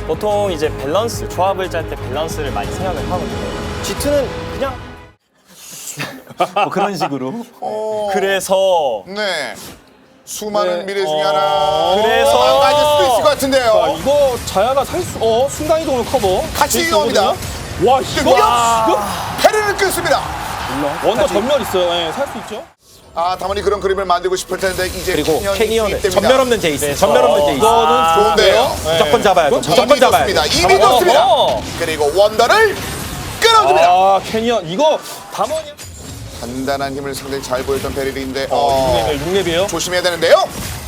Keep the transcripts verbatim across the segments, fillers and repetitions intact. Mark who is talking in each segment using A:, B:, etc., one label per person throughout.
A: 보통 이제 밸런스, 조합을 짤 때 밸런스를 많이 생각을 하거든요. 지투는 그냥
B: 뭐 그런 식으로.
C: 어,
A: 그래서
C: 네. 수많은
D: 네.
C: 미래 중에
D: 어,
C: 하나.
A: 그래서-
C: 망가질 수도 있을 것
D: 자,
C: 같은데요.
D: 이거 자야가 살 수, 어, 순간 이동을 커버.
C: 같이
D: 돼
C: 이동합니다.
D: 있거든요. 와, 이거
C: 공격! 페르를 끊습니다.
D: 원더 전멸 있어요. 예, 살 수 있죠.
C: 아, 다만이 그런 그림을 만들고 싶을 텐데 이제
B: 그리고
C: 캐니언이
B: 캐니언은
C: 투입됩니다.
B: 전멸 없는 제이스.
A: 그래서-
B: 전멸 없는 제이스.
D: 이거는
C: 좋은데요.
D: 예.
B: 무조건 잡아야 돼.
D: 이건
B: 무조건
C: 이미
B: 잡아야
C: 좋습니다.
B: 돼.
C: 이미 좋습니다.
A: 어허.
C: 그리고 원더를 끊어줍니다.
D: 아, 캐니언. 이거 담원이.
C: 단단한 힘을 상당히 잘 보였던 베릴인데 어,
D: 어, 육 렙이에요.
C: 조심해야 되는데요.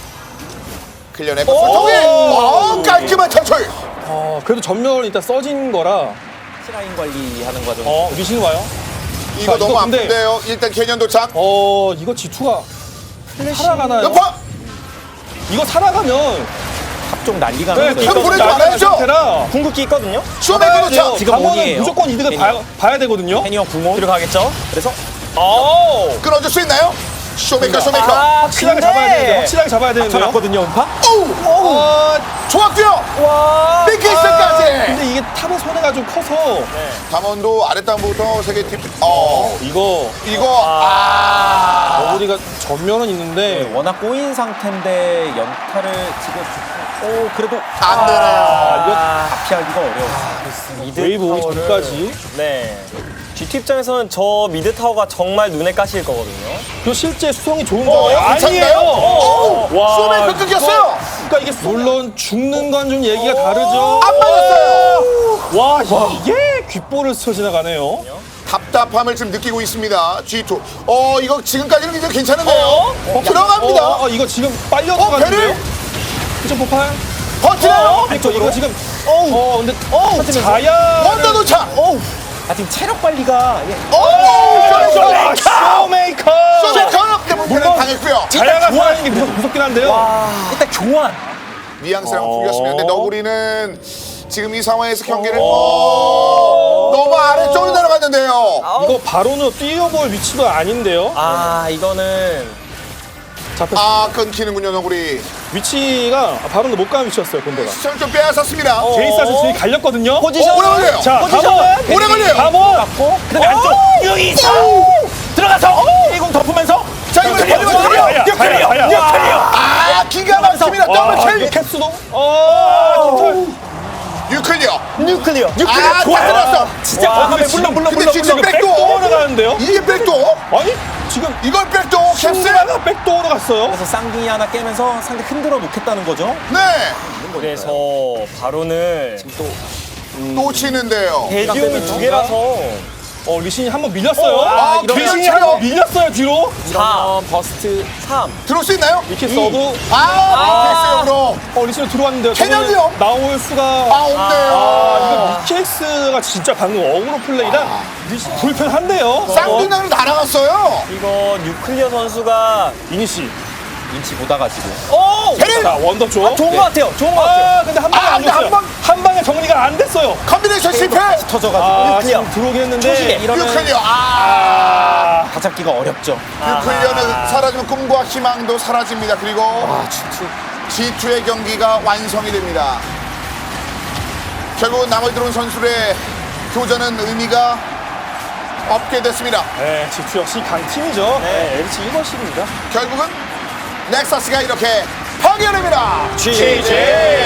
C: 클리어내고 소통이 어, 깔끔한 탈출.
D: 어, 그래도 전멸은 일단 써진 거라.
B: 시라인 관리하는 과정.
D: 어, 리신 와요.
C: 이거
D: 자,
C: 너무
D: 이거 근데-
C: 아픈데요. 일단 캐년 도착.
D: 어, 이거 지투가 살아가나요?
C: 여파
D: 이거 살아가면
B: 합종 난리가
D: 네,
B: 나는 거예요.
C: 좀 보내지 말아야죠.
D: 상태라
A: 궁극기 있거든요.
C: 쇼메이커 도착.
B: 지금
D: 담원은
B: 원이에요.
D: 무조건 이득을
B: 캐니언.
D: 봐야, 봐야 되거든요.
B: 캐니언 궁원.
A: 들어가겠죠.
B: 그래서
A: 오!
C: 끊어줄 수 있나요? 쇼메이커 쇼메이커.
A: 아,
D: 확실하게
A: 근데-
D: 잡아야 되는데 확실하게 잡아야 되는데요.
B: 맞거든요, 음파?
C: 오,
D: 어,
C: 좋았고요.
A: 와!
C: 빅키스까지.
D: 근데 이게 탑의 손해가 좀 커서
C: 담원도 아랫단부터 세개 팁. 어,
D: 이거
C: 이거 아.
D: 어부리가 전면은 있는데
B: 워낙 꼬인 상태인데 연타를 지금 오 그래도
C: 안 되네요.
B: 아, 이거 피하기가 어려워.
A: 미드
D: 웨이브 오기
A: 타워를-
D: 전까지.
A: 네. 지티 입장에서는 저 미드 타워가 정말 눈에 까실 거거든요.
D: 그 실제 수성이 좋은
C: 어,
D: 거
C: 괜찮나요? 오,
D: 와,
C: 쇼메이커 끊겼어요.
D: 그러니까 이게 물론 죽는 건 좀 얘기가 다르죠.
C: 안 맞았어요.
D: 와, 이게 귓볼을 스쳐 지나가네요.
C: 답답함을 지금 느끼고 있습니다. 지투. 어, 이거 지금까지는 굉장히 괜찮은데요.
D: 어?
C: 들어갑니다.
D: 어, 어, 이거 지금 빨려
C: 어,
D: 들어가는데요?
C: 배를
D: 그쵸, 폭발?
C: 버티나요?
D: 이거, 이거 지금 어, 근데 어, 자야
C: 원더 도착.
B: 아 지금 체력 관리가 예.
C: 오,
D: 쇼메이커!
C: 쇼메이커. 쇼메이커 때문에
D: 물론-
C: 당했고요.
D: 자야가 좋아하는 게 무섭, 무섭긴 한데요.
B: 일단 교환.
C: 뉘앙스랑
D: 어.
C: 풀렸습니다. 근데 너구리는 지금 이 상황에서 경기를 어, 너무 아래쪽으로 내려갔는데요.
D: 이거 바로는 뛰어볼 위치가 아닌데요.
A: 아, 이거는
D: 잡혔.
C: 아, 끊기는군요, 너구리.
D: 위치가 바로는 못 가는 위치였어요, 본대가.
C: 시청을 좀 빼앗았습니다.
D: 제이스한테 지금 갈렸거든요.
C: 어, 오래 걸려요.
D: 자,
A: 포지션.
D: 담원.
C: 오래 걸려요.
D: 담원.
B: 맞고 그다음에 안쪽 유이사 들어가서 일공 덮으면서
C: 자, 이번에
D: 자야,
C: 버리면
D: 자야,
C: 돼요.
D: 자야, 자야, 자야.
B: 역할이요.
C: 아, 기가 막힙니다.
D: 와,
C: 더블
D: 이거
C: 킬.
D: 캡스도. 어, 깃털.
C: 유클리어.
A: 뉴클리어.
C: 아,
D: 좋아요.
C: 다 들었어.
B: 진짜
D: 와,
B: 과감해.
D: 근데
B: 물론 물론
C: 근데
B: 물론
C: 지금
B: 물론.
C: 백도.
D: 백도어로 가는데요.
C: 이게 백도.
D: 아니 지금
C: 이걸 백도. 캡스.
D: 캡스가 백도어로 갔어요.
B: 그래서 쌍둥이 하나 깨면서 상대 흔들어 놓겠다는 거죠.
C: 네.
A: 그래서 바로는
C: 또 치는데요.
A: 대지용이 두 개라서
D: 어, 리신이 한번 밀렸어요.
C: 아,
D: 리신이
C: 밀렸어요.
D: 한번 밀렸어요 뒤로.
A: 사, 버스트 삼.
C: 들어올 수 있나요?
D: 이렇게 써도
C: 아, 빅케이스로.
D: 어, 리신이 들어왔는데요.
C: 캐년이요?
D: 저거는 나올 수가.
C: 아, 없네요.
D: 아, 이거 미케이스가 진짜 방금 어그로 플레이라 리신 불편한데요.
C: 쌍둥이로 날아갔어요.
A: 이거 뉴클리어 선수가
D: 이니시.
B: 인치 보다가 지금.
A: 오!
C: 페릴.
D: 자, 원더 쪽.
A: 좋은 것 같아요. 좋은 것 같아요.
D: 아, 근데 한 방에
C: 아,
D: 안
C: 근데 한
D: 됐어요.
C: 방-
D: 한 방에 정리가 안 됐어요.
C: 컨비네이션 실패.
B: 터져가지고.
D: 아,
A: 뉴클리어.
D: 지금 들어오긴 했는데.
B: 초시계. 이러면
C: 유클리어. 아.
D: 아,
B: 다 잡기가 어렵죠.
C: 유클리어는 사라지면 꿈과 희망도 사라집니다. 그리고 지투의 경기가 완성이 됩니다. 결국 나머지 들어온 선수들의 교전은 의미가 없게 됐습니다.
D: 네, 지투 역시 강팀이죠. 네, 엘지 일 번씩입니다.
C: 결국은 넥서스가 이렇게 파괴됩니다.
D: 지지.